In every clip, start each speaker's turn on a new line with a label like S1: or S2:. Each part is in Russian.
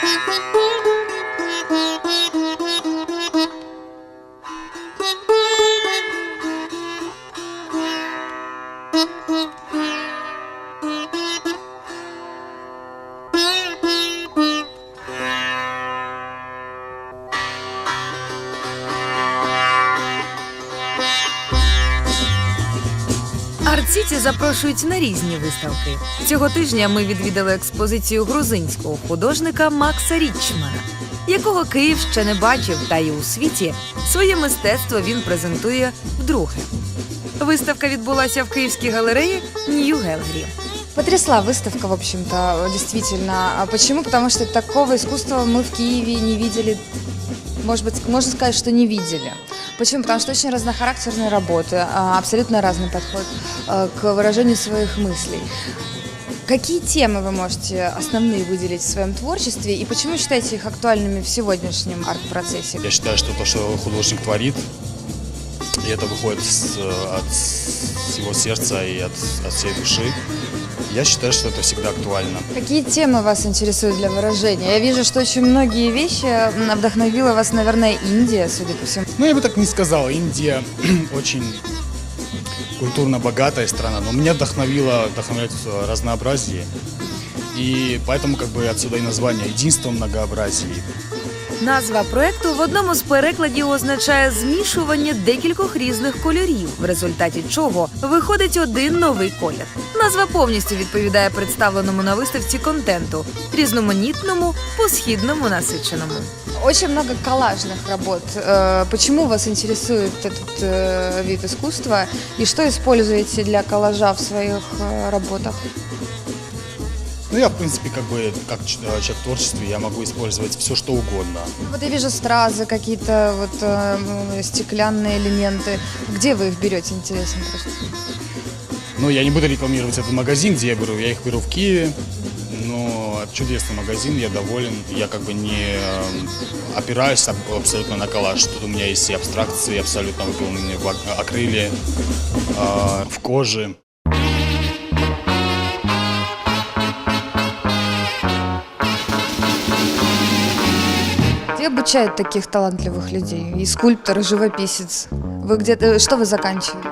S1: Арт-Сіті запрошують на різні виставки. Цього тижня ми відвідали експозицію грузинського художника Макса Річмана, якого Київ ще не бачив, та й у світі своє мистецтво він презентує вдруге. Виставка відбулася в Київській галереї New Gallery.
S2: Потрясла выставка, в общем-то, действительно. Почему? Потому что такого искусства мы в Киеве не видели, может быть, можно сказать, что не видели. Почему? Потому что очень разнохарактерные работы, абсолютно разный подход к выражению своих мыслей. Какие темы вы можете основные выделить в своем творчестве и почему считаете их актуальными в сегодняшнем арт-процессе?
S3: Я считаю, что то, что художник творит, и это выходит от всего сердца и от всей души, я считаю, что это всегда актуально.
S2: Какие темы вас интересуют для выражения? Я вижу, что очень многие вещи вдохновила вас, наверное, Индия, судя по всему.
S3: Ну, я бы так не сказал. Индия очень культурно богатая страна, но меня вдохновляет разнообразие. И поэтому как бы отсюда и название «Единство в многообразии».
S1: Назва проекту в одному з перекладів означає змішування декількох різних кольорів, в результаті чого виходить один новий колір. Назва повністю відповідає представленому на виставці контенту – різноманітному, по-східному насиченому.
S2: Очень много коллажных работ. Почему вас интересует этот вид искусства и что используете для коллажа в своих работах?
S3: Ну, я, в принципе, как человек в творчестве, я могу использовать все, что угодно.
S2: Вот я вижу стразы, какие-то вот стеклянные элементы. Где вы их берете, интересно просто?
S3: Ну, я не буду рекламировать этот магазин, где я беру. Я их беру в Киеве. Но это чудесный магазин, я доволен. Я как бы не опираюсь абсолютно на коллаж. Тут у меня есть и абстракции, абсолютно выполненные в акриле, в коже.
S2: Где обучают таких талантливых людей? И скульптор, и живописец. Вы где-то, что вы заканчивали?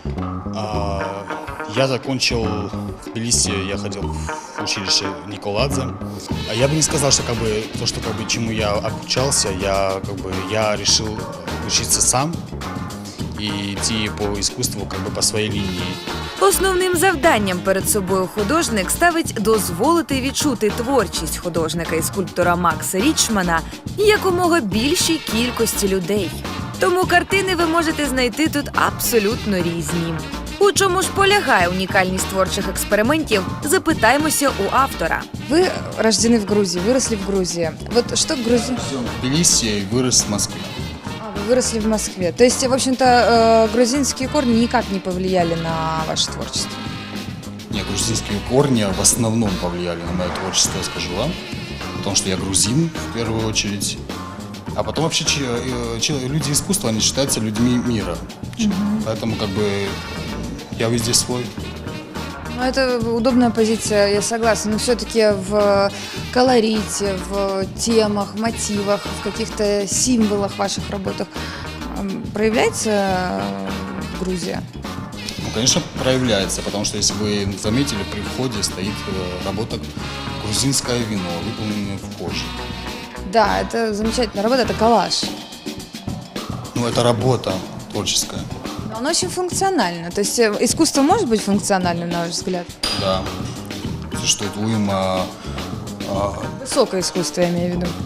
S3: Я закончил в Тбилиси, я ходил в училище Николадзе. Я бы не сказал, что чему я обучался, я решил учиться сам и идти по искусству по своей линии.
S1: Основним завданням перед собою художник ставить дозволити відчути творчість художника і скульптора Макса Річмана якомога більшій кількості людей. Тому картини ви можете знайти тут абсолютно різні. У чому ж полягає унікальність творчих експериментів, запитаємося у автора.
S2: Вы рождены в Грузии, выросли в Грузии. Вот что Грузия?
S3: В Тбилиси и вырос в Москве.
S2: Вы выросли в Москве. То есть, в общем-то, грузинские корни никак не повлияли на ваше творчество?
S3: Нет, грузинские корни в основном повлияли на мое творчество, я скажу вам. Потому что я грузин, в первую очередь. А потом вообще люди искусства, они считаются людьми мира. Поэтому я везде свой.
S2: Ну, это удобная позиция, я согласна. Но все-таки в колорите, в темах, мотивах, в каких-то символах в ваших работах проявляется Грузия?
S3: Ну, конечно, проявляется, потому что, если вы заметили, при входе стоит работа «Грузинское вино», выполненное в коже.
S2: Да, это замечательная работа, это коллаж.
S3: Ну, это работа творческая.
S2: Но оно очень функционально. То есть искусство может быть функциональным, на ваш взгляд?
S3: Да. Существует уйма.
S2: Высокое искусство, я имею в виду.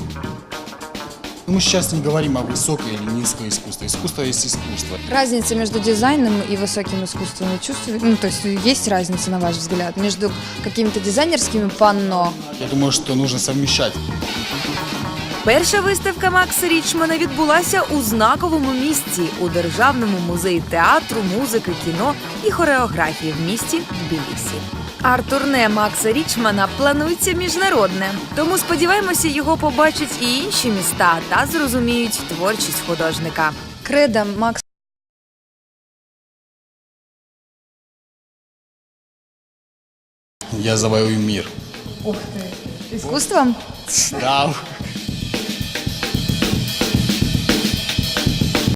S3: Мы сейчас не говорим о высоком или низком искусстве. Искусство есть искусство.
S2: Разница между дизайном и высоким искусством вы чувствуете? Ну, то есть есть разница, на ваш взгляд, между какими-то дизайнерскими панно?
S3: Я думаю, что нужно совмещать.
S1: Перша виставка Макса Річмана відбулася у знаковому місці – у Державному музеї театру, музики, кіно і хореографії в місті Тбілісі. Арт-турне Макса Річмана планується міжнародне, тому сподіваємося, його побачать і інші міста та зрозуміють творчість художника.
S2: Кредо Макса.
S3: Я завоюю мир.
S2: Ух ты! Искусством?
S3: Да,